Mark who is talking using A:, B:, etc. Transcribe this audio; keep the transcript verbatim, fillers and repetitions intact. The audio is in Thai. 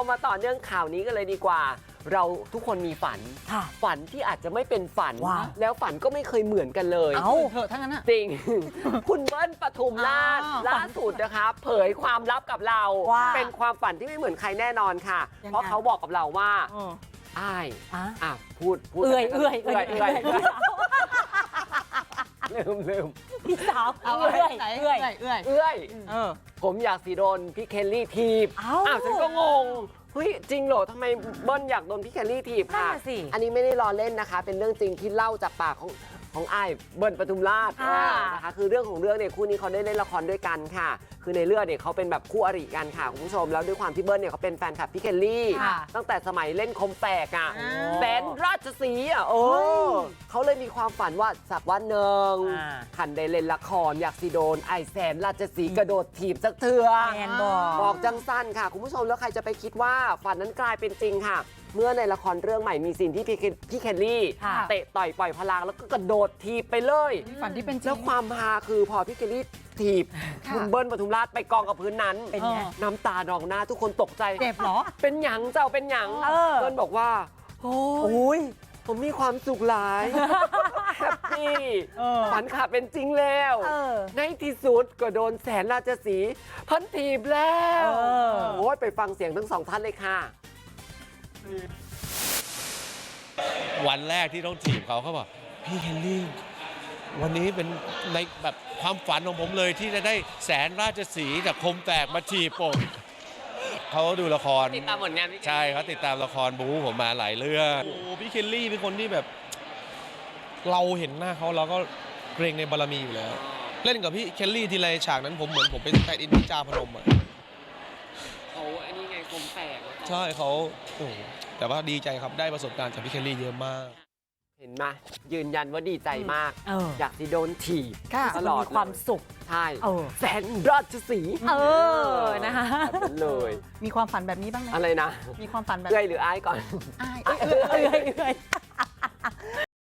A: มาต่อเนื่องข่าวนี้กันเลยดีกว่า เราทุกคนมีฝันฝันที่อาจจะไม่เป็นฝันแล้วฝันก็ไม่เคยเหมือนกันเลย
B: เอาเถอะทั้งนั้นอะ
A: จริง คุณเบิ้ลปทุมราชล่าสุดนะคะเผยความลับกับเราเป็นความฝันที่ไม่เหมือนใครแน่นอนค่ะเพราะเขาบอกกับเราว่าอ้ายอ่ะพูดพูด
B: เอื่อยเอื่อยเอื่อย
A: เอื่อยลืมลืม
B: พี่สาวเอื่อยเอื่อย
C: เอื่อย
A: เอื่อย
B: เออ
A: ผมอยากสีโดนพี่เคลลี่ทีบ
B: อ้าว
A: อ้าวฉันก็งงเฮ้ยจริงเหรอทำไมเบิ้ลอยากโดนพี่เคลลี่ทีบค่ะ
B: นั่นน่ะสิ
A: อันนี้ไม่ได้ล้อเล่นนะคะ เป็นเรื่องจริงที่เล่าจากปากของของอ้ายเบิ้ลปทุมราช
B: ค่ะ
A: นะคะคือเรื่องของเรื่องเนี่ยคู่นี้เขาได้เล่นละครด้วยกันค่ะ คือในเรื่องเนี่ยเขาเป็นแบบคู่อริกันค่ะคุณผู้ชมแล้วด้วยความที่เบิ้ลเนี่ยเขาเป็นแฟนคลับพี่เคลลี่
B: ค่ะ
A: ตั้งแต่สมัยเล่นคมแฝกอ่ะ
B: อ่า
A: แสนราชสีห์อ่ะโอ้เขาเลยมีความฝันว่าสักวันหนึ่ง
B: อ่า
A: ขันได้เล่นละครอยากสิโดนไอแสนราชสีห์กระโดดถีบสักเถื่อ
B: แมนบอก
A: บอกจังสั้นค่ะ คุณผู้ชมแล้วใครจะไปคิดว่าฝันนั้นกลายเป็นจริงค่ะ เมื่อในละครเรื่องใหม่มีซีนที่พี่เคพี่เคลลี่
B: ค่ะ
A: เตะต่อยปล่อยพลังแล้วก็กระโดดทีบไปเลย
C: ฝันที่เป็นจริง
A: แล้วความฮาคือพอพี่เคลลี่ถีบ
C: ค่ะ
A: คุณเบิ้ลปทุมราชไปกองกับพื้นนั้น
B: เป็นไง
A: น้ำตานองหน้าทุกคนตกใจ
C: เจ็บเหรอ
A: เป็นหยังเจ้าเป็นหยัง
B: เออ
A: เบิ้ลบอกว่าโอ้
B: โอ้ย
A: ผมมีความสุขหลายแฮปปี้
B: เออ
A: ฝันขาดเป็นจริงแล้ว
B: เออ
A: ในที่สุดก็โดนแสนราชสีห์พันถีบแล้ว
B: เออ
A: โอ้ยไปฟังเสียงทั้งสองท่านเลยค่ะ
D: วันแรกที่ต้องถีบเขาเขาบอกพี่เฮนรี่วันนี้เป็นในแบบความฝันของผมเลยที่จะได้แสนราชสีห์จากคมแตกมาถีบผมเขาดูละคร
A: ติดตามผลงานพี่
D: ใช่เขาติดตามละครบู๊ผมมาหลายเรื่อง
E: โอ้โหพี่เคลลี่เป็นคนที่แบบ เราเห็นหน้าเขาเราก็เกรงในบารมีอยู่แล้ว เล่นกับพี่เคลลี่ทีไรฉากนั้นผมเหมือนผมเป็นแฟนอินพิจาพนมอ่ะ
A: เขาอันนี้ไงคมแฝก
E: ใช่เขาโอ้โหแต่ว่าดีใจครับได้ประสบการณ์จากพี่เคลลี่เยอะมาก
A: เห็นไหมยืนยันว่าดีใจมาก
B: เออ
A: อยากสิโดนถีบ
C: ค่ะ
A: ตลอด
B: มีความสุข
A: ใช่
B: เออ
A: แสนราชสีห์
B: เออนะคะ
A: แบบนั้นเลย
C: มีความฝันแบบนี้บ้างไหม
A: อะไรนะ
C: มีความฝันแบบ
A: เอื้อยหรืออ้ายก่อน
C: อ้าย
B: เอื่อยเอื่อย